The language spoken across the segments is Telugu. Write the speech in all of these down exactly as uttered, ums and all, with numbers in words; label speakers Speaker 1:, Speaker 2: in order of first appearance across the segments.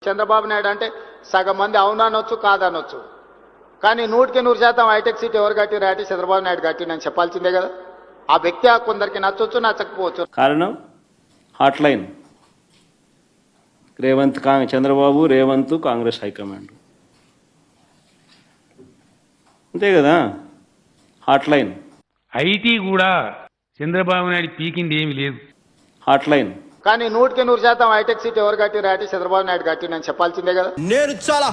Speaker 1: చంద్రబాబు నాయుడు అంటే సగం మంది అవుననొచ్చు కాదనొచ్చు, కానీ నూటికి నూరు శాతం హైటెక్ సిటీ ఎవరు కట్టిరా అంటే చంద్రబాబు నాయుడు కట్టిండని చెప్పాల్సిందే కదా. ఆ వ్యక్తి కొందరికి నచ్చొచ్చు నచ్చకపోవచ్చు.
Speaker 2: కారణం హాట్ లైన్ రేవంత్ కా చంద్రబాబు రేవంత్ కాంగ్రెస్ హైకమాండ్ అంతే కదా. హాట్ లైన్
Speaker 3: ఐటీ కూడా చంద్రబాబు నాయుడు పీకింది ఏమి లేదు.
Speaker 2: హాట్ లైన్
Speaker 1: కానీ నూటికి నూరు శాతం హైటెక్ సిటీ ఎవరు కట్టిరా అంటే చంద్రబాబు నాయుడు కట్టిండని చెప్పాల్సిందే కదా.
Speaker 4: నేను చాలా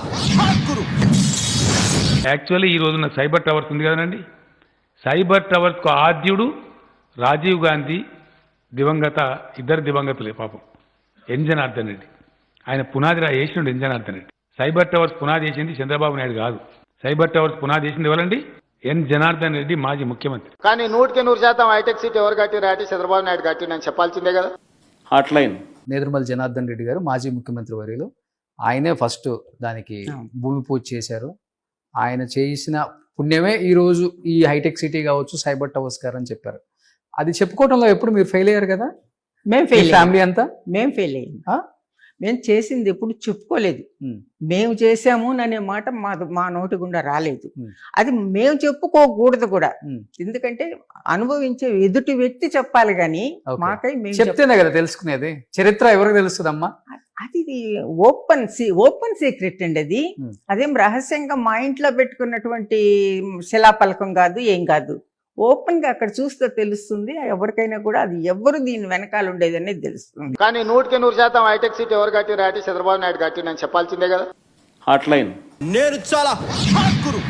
Speaker 3: యాక్చువల్లీ ఈ రోజున సైబర్ టవర్స్ ఉంది కదండి, సైబర్ టవర్స్కు ఆద్యుడు రాజీవ్ గాంధీ, దివంగత ఇద్దరు దివంగతులే పాపం, ఎన్ జనార్దన్ రెడ్డి. ఆయన పునాది రా వేసిండు N Janardhan Reddy. Cyber towers పునాది వేసింది చంద్రబాబు నాయుడు కాదు. సైబర్ టవర్స్ పునాది వేసింది ఎవరండి? ఎన్ జనార్దన్ రెడ్డి, మాజీ ముఖ్యమంత్రి.
Speaker 1: కానీ నూటికి నూరు శాతం హైటెక్ సిటీ ఎవరు కట్టిరా అంటే చంద్రబాబు నాయుడు కట్టిండని చెప్పాల్సిందే కదా.
Speaker 2: హాట్ లైన్
Speaker 5: నేదురుమల్లి జనార్దన్ రెడ్డి గారు మాజీ ముఖ్యమంత్రి వర్యులు, ఆయనే ఫస్ట్ దానికి భూమి పూజ చేశారు. ఆయన చేసిన పుణ్యమే ఈరోజు ఈ హైటెక్ సిటీ కావచ్చు, సైబర్ టవర్స్ గారు అని చెప్పారు. అది చెప్పుకోవడంలో ఎప్పుడు మీరు ఫెయిల్ అయ్యారు కదా.
Speaker 6: మేము ఫెయిల్
Speaker 5: ఫ్యామిలీ అంతా
Speaker 6: మేము ఫెయిల్ అయ్యాం. మేము చేసింది ఎప్పుడు చెప్పుకోలేదు. మేము చేసాము అనే మాట మా మా నోటి గుండా రాలేదు. అది మేము చెప్పుకోకూడదు కూడా, ఎందుకంటే అనుభవించే ఎదుటి వ్యక్తి చెప్పాలి కానీ మాకై మేము
Speaker 5: చెప్తేనే కదా తెలుసుకునేది. చరిత్ర ఎవరికి తెలుస్తుందమ్మా?
Speaker 6: అది ఓపెన్ ఓపెన్ సీక్రెట్ అండి. అది అదేం రహస్యంగా మా ఇంట్లో పెట్టుకున్నటువంటి శిలాపలకం కాదు, ఏం కాదు. ఓపెన్ గా అక్కడ చూస్తే తెలుస్తుంది ఎవరికైనా కూడా, అది ఎవరు దీని వెనకాల ఉండేది అనేది తెలుస్తుంది.
Speaker 1: కానీ నూటికి నూరు శాతం హైటెక్ సిటీ ఎవరు కట్టిరా అంటే చంద్రబాబు నాయుడు కట్టిండని చెప్పాల్సిందే కదా.
Speaker 2: హాట్ లైన్
Speaker 4: నేను చాలా